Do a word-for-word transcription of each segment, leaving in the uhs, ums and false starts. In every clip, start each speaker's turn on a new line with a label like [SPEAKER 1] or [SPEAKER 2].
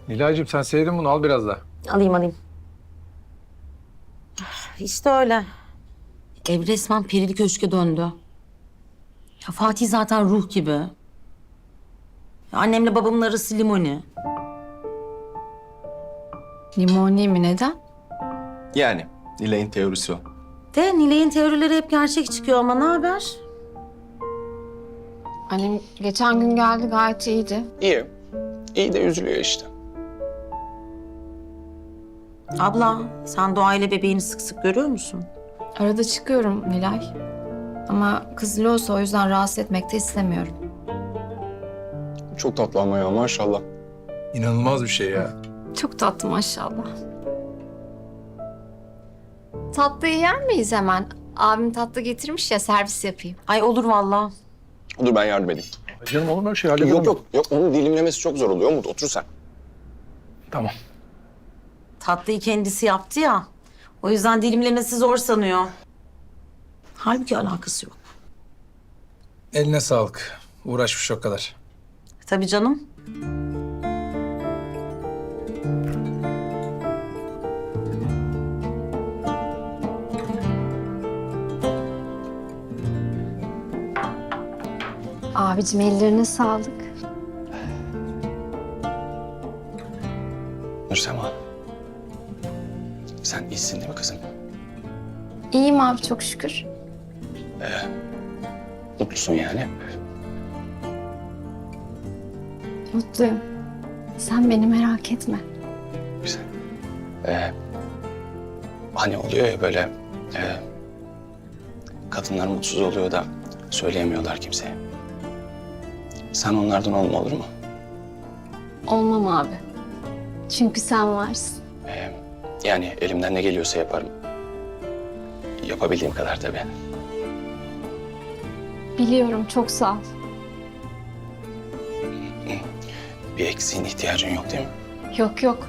[SPEAKER 1] Nilay'cığım sen sevdin bunu, al biraz daha.
[SPEAKER 2] Alayım alayım. İşte öyle. Ev resmen perili köşke döndü. Ya Fatih zaten ruh gibi. Ya annemle babamın arası limoni.
[SPEAKER 3] Limoni mi, neden?
[SPEAKER 4] Yani Nilay'ın teorisi o.
[SPEAKER 2] De Nilay'ın teorileri hep gerçek çıkıyor ama ne haber?
[SPEAKER 3] Annem geçen gün geldi, gayet iyiydi.
[SPEAKER 4] İyi. İyi de üzülüyor işte.
[SPEAKER 2] Abla sen Doğa ile bebeğini sık sık görüyor musun?
[SPEAKER 3] Arada çıkıyorum Nilay. Ama kız Loğusa, o yüzden rahatsız etmek de istemiyorum.
[SPEAKER 4] Çok tatlı ama ya maşallah.
[SPEAKER 1] İnanılmaz bir şey ya.
[SPEAKER 3] Çok tatlı maşallah. Tatlıyı yer miyiz hemen? Abim tatlı getirmiş ya, servis yapayım.
[SPEAKER 2] Ay olur vallahi.
[SPEAKER 4] Dur ben yardım edeyim.
[SPEAKER 1] Canım olur mu öyle şey, halledemem.
[SPEAKER 4] Yok yok yok onun dilimlemesi çok zor oluyor. Umut otur sen.
[SPEAKER 1] Tamam.
[SPEAKER 2] Tatlıyı kendisi yaptı ya. O yüzden dilimlemesi zor sanıyor. Halbuki alakası yok.
[SPEAKER 1] Eline sağlık. Uğraşmış o kadar.
[SPEAKER 2] Tabii canım.
[SPEAKER 3] Abicim ellerine sağlık.
[SPEAKER 4] Nursema. Sen iyisin değil mi kızım?
[SPEAKER 3] İyiyim abi, çok şükür.
[SPEAKER 4] Mutlusun yani.
[SPEAKER 3] Mutluyum. Sen beni merak etme.
[SPEAKER 4] Güzel. Ee, hani oluyor ya böyle... E, kadınlar mutsuz oluyor da söyleyemiyorlar kimseye. Sen onlardan olma, olur mu?
[SPEAKER 3] Olmam abi. Çünkü sen varsın.
[SPEAKER 4] Ee, yani elimden ne geliyorsa yaparım. Yapabildiğim kadar tabii.
[SPEAKER 3] Biliyorum, çok sağ ol.
[SPEAKER 4] Bir eksiğin ihtiyacın yok değil mi?
[SPEAKER 3] Yok yok.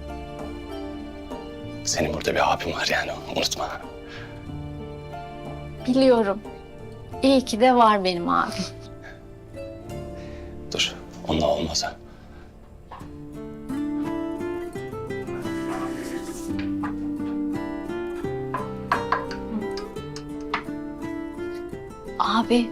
[SPEAKER 4] Senin burada bir abin var yani, unutma.
[SPEAKER 3] Biliyorum. İyi ki de var benim abim.
[SPEAKER 4] Dur, onunla olmaz ha.
[SPEAKER 3] Abi.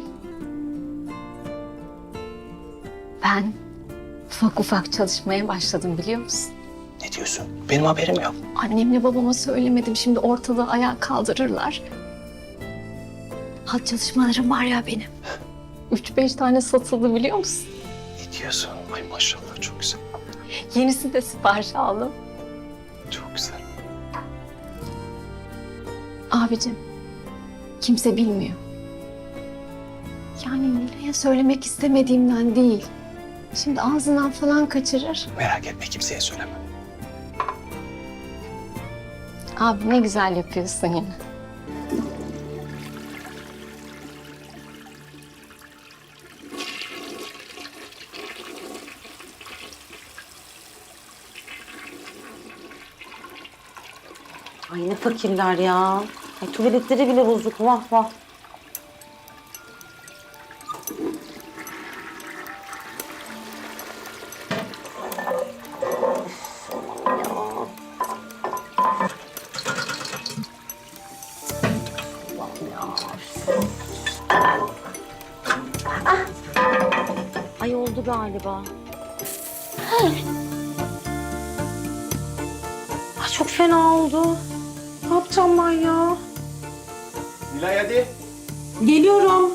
[SPEAKER 3] Ben ufak ufak çalışmaya başladım, biliyor musun?
[SPEAKER 4] Ne diyorsun? Benim haberim yok.
[SPEAKER 3] Annemle babama söylemedim. Şimdi ortalığı ayağa kaldırırlar. Hat çalışmalarım var ya benim. Üç beş tane satıldı, biliyor musun?
[SPEAKER 4] Ne diyorsun? Ay maşallah, çok güzel.
[SPEAKER 3] Yenisi de sipariş aldım.
[SPEAKER 4] Çok güzel.
[SPEAKER 3] Abicim, kimse bilmiyor. Yani Nilay'a söylemek istemediğimden değil. Şimdi ağzından falan kaçırır.
[SPEAKER 4] Merak etme, kimseye söyleme.
[SPEAKER 3] Abi ne güzel yapıyorsun yine.
[SPEAKER 2] Ay ne fakirler ya. Ay tuvaletleri bile bozuk, vah vah. Ah! Ay oldu galiba. Ay çok fena oldu. Ne yapacağım ben ya?
[SPEAKER 4] Nilay hadi.
[SPEAKER 2] Geliyorum.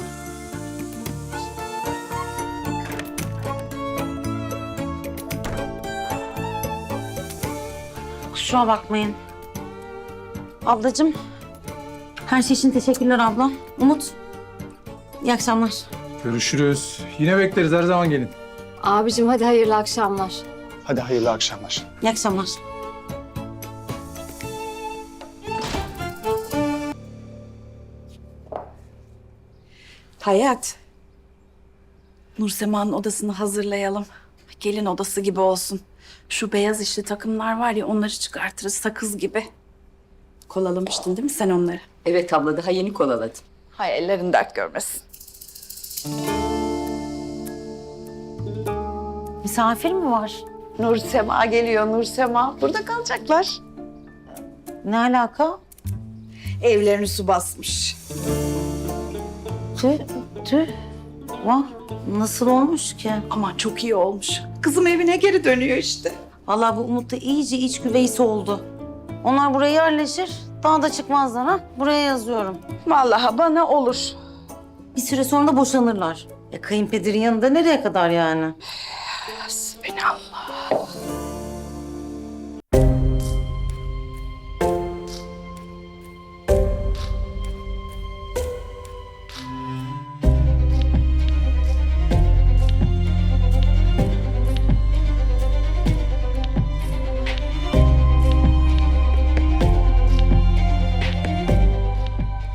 [SPEAKER 2] Kusura bakmayın. Ablacığım, her şey için teşekkürler abla. Umut, iyi akşamlar.
[SPEAKER 1] Görüşürüz. Yine bekleriz, her zaman gelin.
[SPEAKER 3] Abicim hadi hayırlı akşamlar.
[SPEAKER 4] Hadi hayırlı akşamlar.
[SPEAKER 2] İyi akşamlar.
[SPEAKER 5] Hayat. Nursema'nın odasını hazırlayalım. Gelin odası gibi olsun. Şu beyaz işli takımlar var ya, onları çıkartırız sakız gibi. Kolalamıştın değil mi sen onları?
[SPEAKER 6] Evet abla, daha yeni kolaladım.
[SPEAKER 5] Hay ellerin dert görmesin.
[SPEAKER 2] Misafir mi var?
[SPEAKER 5] Nur Sema geliyor, Nur Sema. Burada kalacaklar.
[SPEAKER 2] Ne alaka?
[SPEAKER 5] Evlerini su basmış.
[SPEAKER 2] Tüh, tüh. Vah, nasıl olmuş ki?
[SPEAKER 5] Ama çok iyi olmuş. Kızım evine geri dönüyor işte.
[SPEAKER 2] Vallahi bu Umut da iyice iç güveysi oldu. Onlar buraya yerleşir, daha da çıkmazlar ha. Buraya yazıyorum.
[SPEAKER 5] Vallahi bana olur.
[SPEAKER 2] Bir süre sonra da boşanırlar. E kayınpederin yanında nereye kadar yani?